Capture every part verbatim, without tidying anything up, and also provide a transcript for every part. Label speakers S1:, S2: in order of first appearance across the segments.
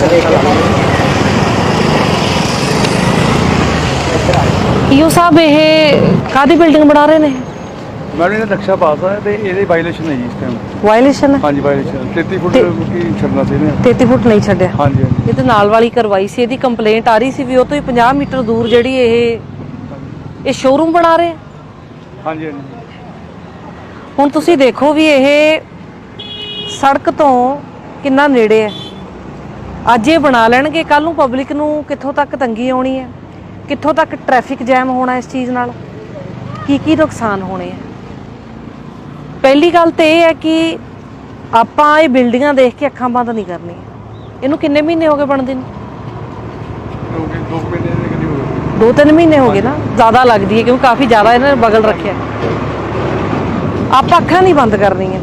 S1: ਈਓ ਸਾਹਿਬ ਇਹ ਕਾਹਦੀ ਬਿਲਡਿੰਗ ਬਣਾ ਰਹੇ ਨੇ?
S2: ਮੈਡਮ ਇਹਦਾ ਨਕਸ਼ਾ ਪਾਸ ਹੈ ਤੇ ਇਹਦੇ ਵਾਇਲੇਸ਼ਨ ਹੈ ਜੀ ਇਸ ਟਾਈਮ।
S1: ਵਾਇਲੇਸ਼ਨ ਹੈ?
S2: ਹਾਂਜੀ ਵਾਇਲੇਸ਼ਨ ਤੇਤੀ ਫੁੱਟ ਕੀ ਛੱਡਣਾ ਸੀ ਇਹਨੇ।
S1: ਤੇਤੀ ਫੁੱਟ ਨਹੀਂ ਛੱਡਿਆ।
S2: ਹਾਂਜੀ ਹਾਂਜੀ।
S1: ਇਹ ਤੇ ਨਾਲ ਵਾਲੀ ਕਰਵਾਈ ਸੀ, ਇਹਦੀ ਕੰਪਲੇਂਟ ਆ ਰਹੀ ਸੀ ਵੀ ਉਹ ਤੋਂ ਹੀ ਪੰਜਾਹ ਮੀਟਰ ਦੂਰ ਜਿਹੜੀ ਇਹ ਇਹ ਸ਼ੋਰੂਮ ਬਣਾ ਰਹੇ।
S2: ਹਾਂਜੀ ਹਾਂਜੀ।
S1: ਹੁਣ ਤੁਸੀਂ ਦੇਖੋ ਵੀ ਇਹ ਸੜਕ ਤੋਂ ਕਿੰਨਾ ਨੇੜੇ ਹੈ। ਅੱਜ ਇਹ ਬਣਾ ਲੈਣਗੇ, ਕੱਲ ਨੂੰ ਪਬਲਿਕ ਨੂੰ ਕਿੱਥੋਂ ਤੱਕ ਤੰਗੀ ਆਉਣੀ ਹੈ, ਕਿੱਥੋਂ ਤੱਕ ਟ੍ਰੈਫਿਕ ਜੈਮ ਹੋਣਾ ਇਸ ਚੀਜ਼ ਨਾਲ, ਕੀ ਕੀ ਨੁਕਸਾਨ ਹੋਣੇ ਆ। ਪਹਿਲੀ ਗੱਲ ਤਾਂ ਇਹ ਹੈ ਕਿ ਆਪਾਂ ਇਹ ਬਿਲਡਿੰਗਾਂ ਦੇਖ ਕੇ ਅੱਖਾਂ ਬੰਦ ਨਹੀਂ ਕਰਨੀਆਂ। ਇਹਨੂੰ ਕਿੰਨੇ ਮਹੀਨੇ ਹੋ ਗਏ ਬਣਦੇ ਨੂੰ?
S2: ਦੋ ਮਹੀਨੇ ਦੇ ਕਰੀਬ ਹੋ ਗਏ।
S1: ਦੋ ਤਿੰਨ ਮਹੀਨੇ ਹੋ ਗਏ ਨਾ, ਜ਼ਿਆਦਾ ਲੱਗਦੀ ਹੈ ਕਿਉਂਕਿ ਕਾਫੀ ਜ਼ਿਆਦਾ ਇਹਨਾਂ ਨੇ ਬਗਲ ਰੱਖਿਆ। ਆਪਾਂ ਅੱਖਾਂ ਨਹੀਂ ਬੰਦ ਕਰਨੀਆਂ।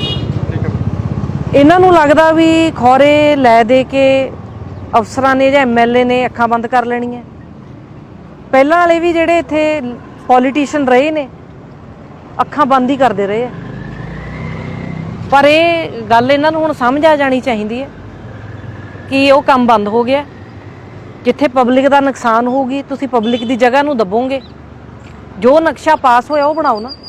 S1: ਇਹਨਾਂ ਨੂੰ ਲੱਗਦਾ ਵੀ ਖੌਰੇ ਲੈ ਦੇ ਕੇ ਅਫਸਰਾਂ ਨੇ ਜਾਂ ਐਮ ਐਲ ਏ ਨੇ ਅੱਖਾਂ ਬੰਦ ਕਰ ਲੈਣੀਆਂ। ਪਹਿਲਾਂ ਵਾਲੇ ਵੀ ਜਿਹੜੇ ਇੱਥੇ ਪੋਲੀਟੀਸ਼ੀਅਨ ਰਹੇ ਨੇ ਅੱਖਾਂ ਬੰਦ ਹੀ ਕਰਦੇ ਰਹੇ ਆ। ਪਰ ਇਹ ਗੱਲ ਇਹਨਾਂ ਨੂੰ ਹੁਣ ਸਮਝ ਆ ਜਾਣੀ ਚਾਹੀਦੀ ਹੈ ਕਿ ਉਹ ਕੰਮ ਬੰਦ ਹੋ ਗਿਆ। ਜਿੱਥੇ ਪਬਲਿਕ ਦਾ ਨੁਕਸਾਨ ਹੋਊਗੀ ਤੁਸੀਂ ਪਬਲਿਕ ਦੀ ਜਗ੍ਹਾ ਨੂੰ ਦੱਬੋਗੇ। ਜੋ ਨਕਸ਼ਾ ਪਾਸ ਹੋਇਆ ਉਹ ਬਣਾਓ ਨਾ।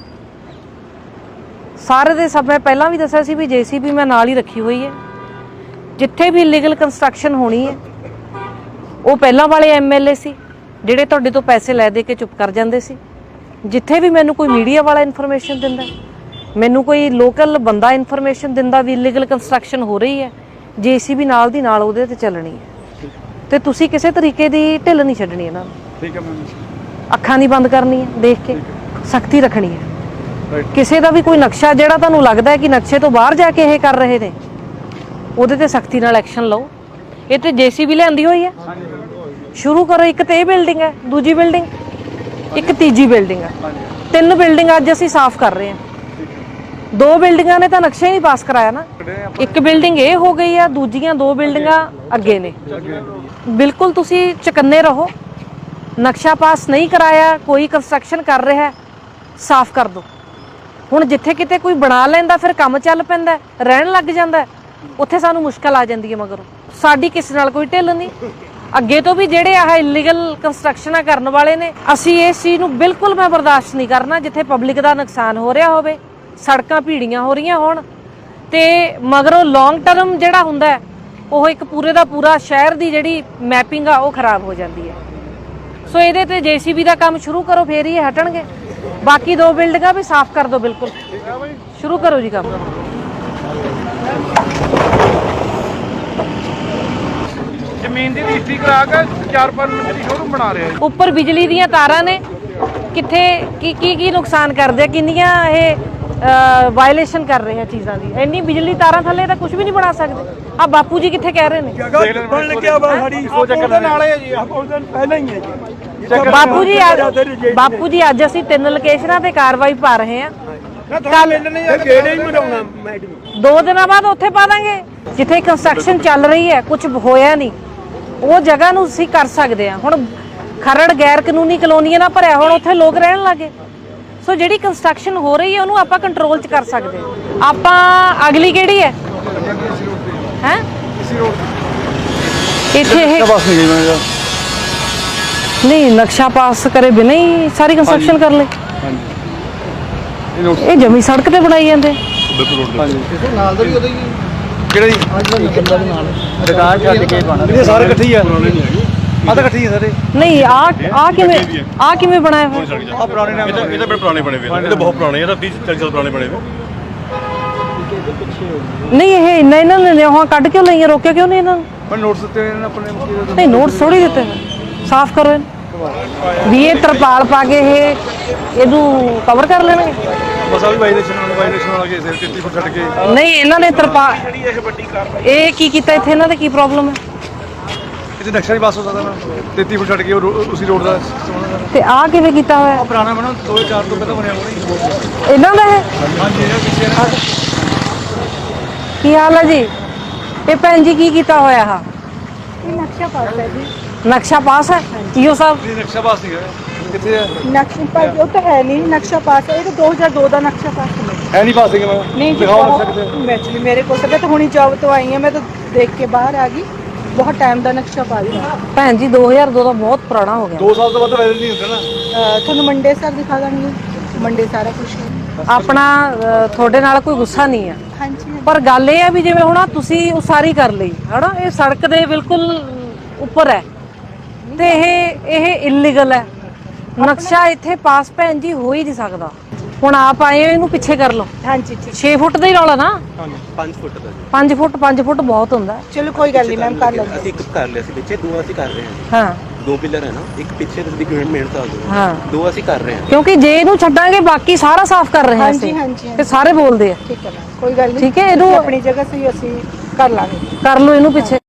S1: ਸਾਰੇ ਦੇ ਸਭ ਮੈਂ ਪਹਿਲਾਂ ਵੀ ਦੱਸਿਆ ਸੀ ਵੀ ਜੇ ਸੀ ਬੀ ਮੈਂ ਨਾਲ ਹੀ ਰੱਖੀ ਹੋਈ ਹੈ। ਜਿੱਥੇ ਵੀ ਇਲੀਗਲ ਕੰਸਟਰਕਸ਼ਨ ਹੋਣੀ ਹੈ ਉਹ ਪਹਿਲਾਂ ਵਾਲੇ ਐਮ ਐਲ ਏ ਸੀ ਜਿਹੜੇ ਤੁਹਾਡੇ ਤੋਂ ਪੈਸੇ ਲੈ ਦੇ ਕੇ ਚੁੱਪ ਕਰ ਜਾਂਦੇ ਸੀ। ਜਿੱਥੇ ਵੀ ਮੈਨੂੰ ਕੋਈ ਮੀਡੀਆ ਵਾਲਾ ਇਨਫੋਰਮੇਸ਼ਨ ਦਿੰਦਾ, ਮੈਨੂੰ ਕੋਈ ਲੋਕਲ ਬੰਦਾ ਇਨਫੋਰਮੇਸ਼ਨ ਦਿੰਦਾ ਵੀ ਇਲੀਗਲ ਕੰਸਟਰਕਸ਼ਨ ਹੋ ਰਹੀ ਹੈ, ਜੇ ਸੀ ਬੀ ਨਾਲ ਦੀ ਨਾਲ ਉਹਦੇ ਤੇ ਚੱਲਣੀ ਹੈ। ਤੇ ਤੁਸੀਂ ਕਿਸੇ ਤਰੀਕੇ ਦੀ ਢਿੱਲ ਨਹੀਂ ਛੱਡਣੀ ਇਹਨਾਂ ਨੂੰ।
S2: ਠੀਕ ਹੈ ਮੈਮ।
S1: ਅੱਖਾਂ ਨਹੀਂ ਬੰਦ ਕਰਨੀਆਂ, ਦੇਖ ਕੇ ਸਖਤੀ ਰੱਖਣੀ ਹੈ। ਕਿਸੇ ਦਾ ਵੀ ਕੋਈ ਨਕਸ਼ਾ ਜਿਹੜਾ ਤੁਹਾਨੂੰ ਲੱਗਦਾ ਹੈ ਕਿ ਨਕਸ਼ੇ ਤੋਂ ਬਾਹਰ ਜਾ ਕੇ ਇਹ ਕਰ ਰਹੇ ਨੇ, ਉਹਦੇ ਤੇ ਸਖਤੀ ਨਾਲ ਐਕਸ਼ਨ ਲਓ। ਇਹ ਤੇ ਜੇ ਸੀ ਬੀ ਲਿਆਂਦੀ ਹੋਈ ਹੈ, ਸ਼ੁਰੂ ਕਰੋ। ਇੱਕ ਤੇ ਇਹ ਬਿਲਡਿੰਗ ਹੈ, ਦੂਜੀ ਬਿਲਡਿੰਗ, ਇੱਕ ਤੀਜੀ ਬਿਲਡਿੰਗ ਹੈ। ਤਿੰਨ ਬਿਲਡਿੰਗ ਅੱਜ ਅਸੀਂ ਸਾਫ਼ ਕਰ ਰਹੇ ਹਾਂ। ਦੋ ਬਿਲਡਿੰਗਾਂ ਨੇ ਤਾਂ ਨਕਸ਼ਾ ਹੀ ਨਹੀਂ ਪਾਸ ਕਰਾਇਆ ਨਾ। ਇੱਕ ਬਿਲਡਿੰਗ ਇਹ ਹੋ ਗਈ ਆ, ਦੂਜੀਆਂ ਦੋ ਬਿਲਡਿੰਗਾਂ ਅੱਗੇ ਨੇ। ਬਿਲਕੁਲ ਤੁਸੀਂ ਚੁਕੰਨੇ ਰਹੋ। ਨਕਸ਼ਾ ਪਾਸ ਨਹੀਂ ਕਰਾਇਆ, ਕੋਈ ਕੰਸਟਰਕਸ਼ਨ ਕਰ ਰਿਹਾ, ਸਾਫ਼ ਕਰ ਦਿਓ। ਹੁਣ ਜਿੱਥੇ ਕਿਤੇ ਕੋਈ ਬਣਾ ਲੈਂਦਾ ਫਿਰ ਕੰਮ ਚੱਲ ਪੈਂਦਾ, ਰਹਿਣ ਲੱਗ ਜਾਂਦਾ, ਉੱਥੇ ਸਾਨੂੰ ਮੁਸ਼ਕਲ ਆ ਜਾਂਦੀ ਹੈ। ਮਗਰੋਂ ਸਾਡੀ ਕਿਸੇ ਨਾਲ ਕੋਈ ਢਿੱਲ ਨਹੀਂ। ਅੱਗੇ ਤੋਂ ਵੀ ਜਿਹੜੇ ਆਹ ਇਲੀਗਲ ਕੰਸਟਰਕਸ਼ਨਾਂ ਕਰਨ ਵਾਲੇ ਨੇ, ਅਸੀਂ ਇਸ ਚੀਜ਼ ਨੂੰ ਬਿਲਕੁਲ ਮੈਂ ਬਰਦਾਸ਼ਤ ਨਹੀਂ ਕਰਨਾ। ਜਿੱਥੇ ਪਬਲਿਕ ਦਾ ਨੁਕਸਾਨ ਹੋ ਰਿਹਾ ਹੋਵੇ, ਸੜਕਾਂ ਭੀੜੀਆਂ ਹੋ ਰਹੀਆਂ ਹੋਣ, ਤੇ ਮਗਰੋਂ ਲੌਂਗ ਟਰਮ ਜਿਹੜਾ ਹੁੰਦਾ ਉਹ ਇੱਕ ਪੂਰੇ ਦਾ ਪੂਰਾ ਸ਼ਹਿਰ ਦੀ ਜਿਹੜੀ ਮੈਪਿੰਗ ਆ ਉਹ ਖਰਾਬ ਹੋ ਜਾਂਦੀ ਹੈ। ਸੋ ਇਹਦੇ ਤੇ ਜੇ ਸੀ ਬੀ ਦਾ ਕੰਮ ਸ਼ੁਰੂ ਕਰੋ, ਫੇਰ ਹੀ ਇਹ ਹਟਣਗੇ। ਬਾਕੀ ਦੋ ਬਿਲਡਿੰਗਾਂ ਵੀ ਸਾਫ਼ ਕਰ ਦਿਓ। ਬਿਲਕੁਲ ਸ਼ੁਰੂ ਕਰੋ ਜੀ ਕੰਮ।
S2: ਜ਼ਮੀਨ ਦੀ ਰਜਿਸਟਰੀ ਕਰਾ ਕੇ ਚਾਰ ਪੰਜ ਮਿੰਟ ਦੀ ਸ਼ੋਰੂਮ ਬਣਾ ਰਿਹਾ।
S1: ਉੱਪਰ ਬਿਜਲੀ ਦੀਆਂ ਤਾਰਾਂ ਨੇ, ਕਿੱਥੇ ਕੀ ਕੀ ਕੀ ਨੁਕਸਾਨ ਕਰਦੇ ਆ, ਕਿੰਨੀਆਂ ਇਹ ਵਾਇਲੇਸ਼ਨ ਕਰ ਰਹੇ ਆ ਚੀਜ਼ਾਂ ਦੀ। ਇੰਨੀ ਬਿਜਲੀ ਤਾਰਾਂ ਥੱਲੇ ਤਾਂ ਕੁਝ ਵੀ ਨਹੀਂ ਬਣਾ ਸਕਦੇ। ਆ ਬਾਪੂ ਜੀ ਕਿੱਥੇ ਕਹਿ ਰਹੇ ਨੇ?
S2: ਬਣ ਲੱਗਿਆ ਵਾ ਸਾਡੀ ਉਹਦੇ ਨਾਲ ਹੈ ਜੀ, ਉਹਦੇ ਪਹਿਲਾਂ ਹੀ ਹੈ ਜੀ।
S1: ਬਾਪੂ ਜੀ ਬਾਪੂ ਜੀ ਅੱਜ ਅਸੀਂ ਤਿੰਨ ਲੋਕੇਸ਼ਨਾਂ ਤੇ ਕਾਰਵਾਈ ਪਾ ਰਹੇ ਹਾਂ। ਕੱਲ
S2: ਕਿਹੜੇ ਹੀ ਬਣਾਉਣਾ ਮੈਡਮ,
S1: ਦੋ ਦਿਨਾਂ ਬਾਅਦ ਉੱਥੇ ਪਾ ਦਾਂਗੇ ਜਿੱਥੇ ਕੰਸਟਰਕਸ਼ਨ ਚੱਲ ਰਹੀ ਹੈ, ਕੁਝ ਹੋਇਆ ਨਹੀਂ, ਉਹ ਜਗ੍ਹਾ ਨੂੰ ਅਸੀਂ ਕਰ ਸਕਦੇ ਹਾਂ। ਹੁਣ ਖਰੜ ਗੈਰ ਕਾਨੂੰਨੀ ਕਲੋਨੀਆਂ ਨਾਲ ਭਰਿਆ, ਹੁਣ ਉੱਥੇ ਲੋਕ ਰਹਿਣ ਲੱਗੇ। ਸੋ ਜਿਹੜੀ ਕੰਸਟਰਕਸ਼ਨ ਹੋ ਰਹੀ ਹੈ ਉਹਨੂੰ ਆਪਾਂ ਕੰਟਰੋਲ 'ਚ ਕਰ ਸਕਦੇ ਹਾਂ। ਆਪਾਂ ਅਗਲੀ ਕਿਹੜੀ ਹੈ ਹੈ ਇੱਥੇ ਇਹ ਨਹੀਂ ਨਕਸ਼ਾ ਪਾਸ ਕਰੇ ਬਿਨਾਂ ਹੀ ਸਾਰੀ ਕੰਸਟਰਕਸ਼ਨ ਕਰ ਲਈ। ਇਹ ਜਮੀ ਸੜਕ ਤੇ ਬਣਾਈ ਜਾਂਦੇ।
S2: ਨਾਲ ਦਾ ਵੀ ਉਹਦਾ ਹੀ ਕਿਹੜਾ ਜੀ ਦੁਕਾਨ ਛੱਡ ਕੇ ਬਣਾ ਇਹ ਸਾਰੇ ਇਕੱਠੇ ਹੀ ਆ। ਆ ਤਾਂ ਇਕੱਠੇ ਹੀ ਆ ਸਾਰੇ। ਨਹੀਂ ਆ ਆ ਕਿਵੇਂ ਆ ਕਿਵੇਂ ਬਣਾਇਆ ਹੋਇਆ? ਆ ਪੁਰਾਣੇ ਨਾਮ ਇਹਦਾ ਇਹਦਾ ਬੜੇ ਪੁਰਾਣੇ ਬਣੇ ਹੋਏ, ਇਹਦੇ ਬਹੁਤ ਪੁਰਾਣੇ, ਇਹਦਾ ਤੀਹ ਚਾਲੀ ਸਾਲ ਪੁਰਾਣੇ ਬਣੇ ਹੋਏ। ਨਹੀਂ ਇਹ ਇੰਨਾ ਇਹਨਾਂ ਨੇ ਨਿਆਹਾਂ ਕੱਢ ਕਿਉਂ ਲਈਆਂ, ਰੋਕਿਆ ਕਿਉਂ ਨਹੀਂ ਇਹਨਾਂ ਨੂੰ? ਪਰ ਨੋਟਸ ਦਿੱਤੇ ਇਹਨਾਂ ਨੇ ਆਪਣੇ। ਨਹੀਂ ਨੋਟਸ ਥੋੜੀ ਦਿੱਤੇ, ਸਾਫ਼ ਕਰੋ ਇਹਨੂੰ ਵੀ ਇਹ ਤਰਪਾਲ ਪਾ ਕੇ ਇਹ ਇਹਨੂੰ ਕਵਰ ਕਰ ਲੈਣਗੇ। ਬਸ ਆ ਵੀ ਵਾਇਲੇਸ਼ਨ ਨਾਲ ਵਾਇਲੇਸ਼ਨ ਵਾਲਾ ਕੇਸ ਹੈ। ਤੇਤੀ ਫੁੱਟ ਛੱਡ ਕੇ ਨਹੀਂ ਇਹਨਾਂ ਨੇ ਤਰਪਾਲ ਇਹ ਵੱਡੀ ਕਾਰਵਾਈ ਇਹ ਕੀ ਕੀਤਾ ਇੱਥੇ? ਇਹਨਾਂ ਦਾ ਕੀ ਪ੍ਰੋਬਲਮ ਹੈ? ਇੱਥੇ ਨਕਸ਼ਾ ਨਹੀਂ ਪਾਸ ਹੋ ਸਕਦਾ ਨਾ, ਤੇਤੀ ਫੁੱਟ ਛੱਡ ਕੇ ਉਸੇ ਰੋਡ ਦਾ। ਤੇ ਆ ਕਿਵੇਂ ਕੀਤਾ ਹੋਇਆ? ਪੁਰਾਣਾ ਬਣਾ ਦੋ ਹਜ਼ਾਰ ਚਾਰ ਤੋਂ ਪਹਿਲਾਂ ਬਣਿਆ ਹੋਣਾ ਇਹਨਾਂ ਦਾ ਹੈ। ਹਾਂਜੀ ਇਹ ਪਿੱਛੇ ਕੀ ਹਾਲ ਹੈ ਜੀ? ਇਹ ਭੈਣ ਜੀ ਕੀ ਕੀਤਾ ਹੋਇਆ? ਆ
S3: ਨਕਸ਼ਾ ਪਾਸ ਹੈ ਜੀ।
S1: ਨਕਸ਼ਾ ਪਾਸ ਹੈ ਈਓ ਸਾਹਿਬ?
S2: ਨਕਸ਼ਾ ਪਾਸ ਨਹੀਂ ਹੈ। ਕਿੱਥੇ ਹੈ
S3: ਨਕਸ਼ਾ ਪਾਸ? ਉਹ ਤਾਂ ਹੈ ਨਹੀਂ ਨਕਸ਼ਾ ਪਾਸ। ਇਹ ਤਾਂ ਦੋ ਹਜ਼ਾਰ ਦੋ ਦਾ ਨਕਸ਼ਾ ਪਾਸ ਹੈ।
S2: ਹੈ ਨਹੀਂ ਪਾਸ
S3: ਨਹੀਂ ਦਿਖਾਓ ਸਕਦੇ। ਐਕਚੁਅਲੀ ਮੇਰੇ ਕੋਲ ਤਾਂ ਮੈਂ ਤਾਂ ਹੁਣੀ ਜੌਬ ਤੋਂ ਆਈ ਹਾਂ, ਮੈਂ ਤਾਂ ਦੇਖ ਕੇ ਬਾਹਰ ਆ ਗਈ। ਬਹੁਤ ਟਾਈਮ ਦਾ ਨਕਸ਼ਾ ਪਾ ਦਿੱਤਾ।
S1: ਭੈਣ ਜੀ ਦੋ ਹਜ਼ਾਰ ਦੋ ਦਾ ਬਹੁਤ ਪੁਰਾਣਾ ਹੋ ਗਿਆ।
S4: ਦੋ ਸਾਲ ਤੋਂ ਵੱਧ ਵਾਇਰਲ ਨਹੀਂ ਹੁੰਦਾ ਨਾ।
S3: ਅਹ ਤੁਹਾਨੂੰ ਮੰਡੇ ਸਰ ਦਿਖਾ ਦਾਂਗੇ, ਮੰਡੇ ਸਾਰਾ ਕੁਝ।
S1: ਆਪਣਾ ਅ, ਤੁਹਾਡੇ ਨਾਲ ਕੋਈ ਗੁੱਸਾ ਨਹੀਂ ਆ,
S3: ਹਾਂਜੀ
S1: ਪਰ ਗੱਲ ਇਹ ਆ ਵੀ ਜਿਵੇਂ ਹੁਣ ਆਹ ਤੁਸੀਂ ਉਸਾਰੀ ਕਰ ਲਈ ਹਨਾ, ਇਹ ਸੜਕ ਦੇ ਬਿਲਕੁਲ ਉੱਪਰ ਹੈ ਤੇ ਇਹ ਇਹ ਇਲੀਗਲ ਹੈ। ਨਕਸ਼ਾ ਇੱਥੇ ਪਾਸ ਭੈਣ ਜੀ ਹੋ ਹੀ ਨਹੀਂ ਸਕਦਾ। ਹੁਣ ਆਪ ਆਏ ਹੋ, ਇਹਨੂੰ ਪਿੱਛੇ ਕਰ ਲਓ।
S3: ਹਾਂਜੀ ਠੀਕ,
S1: ਛੇ ਫੁੱਟ ਦਾ ਹੀ ਰੌਲਾ ਨਾ।
S4: ਹਾਂਜੀ ਪੰਜ ਫੁੱਟ ਦਾ ਜੀ।
S1: ਪੰਜ ਫੁੱਟ ਪੰਜ ਫੁੱਟ ਬਹੁਤ ਹੁੰਦਾ।
S3: ਚਲੋ ਕੋਈ ਗੱਲ ਨਹੀਂ ਮੈਮ, ਕਰ ਲਾਂਗੇ।
S4: ਅਸੀਂ ਇੱਕ ਕਰ ਲਿਆ ਸੀ ਪਿੱਛੇ, ਦੋ ਅਸੀਂ ਕਰ ਰਹੇ ਹਾਂ।
S1: ਹਾਂ
S4: ਦੋ ਪਿਲਰ ਹੈ ਨਾ, ਇੱਕ ਪਿੱਛੇ ਤੁਸੀਂ ਗਵਰਨਮੈਂਟ ਮਿਹਨਤ ਆ ਦੋ।
S1: ਹਾਂ
S4: ਦੋ ਅਸੀਂ ਕਰ ਰਹੇ ਹਾਂ।
S1: ਕਿਉਂਕਿ ਜੇ ਇਹਨੂੰ ਛੱਡਾਂਗੇ ਬਾਕੀ ਸਾਰਾ ਸਾਫ਼ ਕਰ ਰਹੇ ਹਾਂ
S3: ਹਾਂਜੀ
S1: ਅਸੀਂ
S3: ਹਾਂਜੀ
S1: ਤੇ ਸਾਰੇ ਬੋਲਦੇ ਆ।
S3: ਠੀਕ ਹੈ ਮੈਮ, ਕੋਈ ਗੱਲ ਨਹੀਂ।
S1: ਠੀਕ ਹੈ, ਇਹਨੂੰ
S3: ਆਪਣੀ ਜਗ੍ਹਾ ਸਹੀ ਅਸੀਂ ਕਰ ਲਾਂਗੇ।
S1: ਕਰ ਲਓ ਇਹਨੂੰ ਪਿੱਛੇ।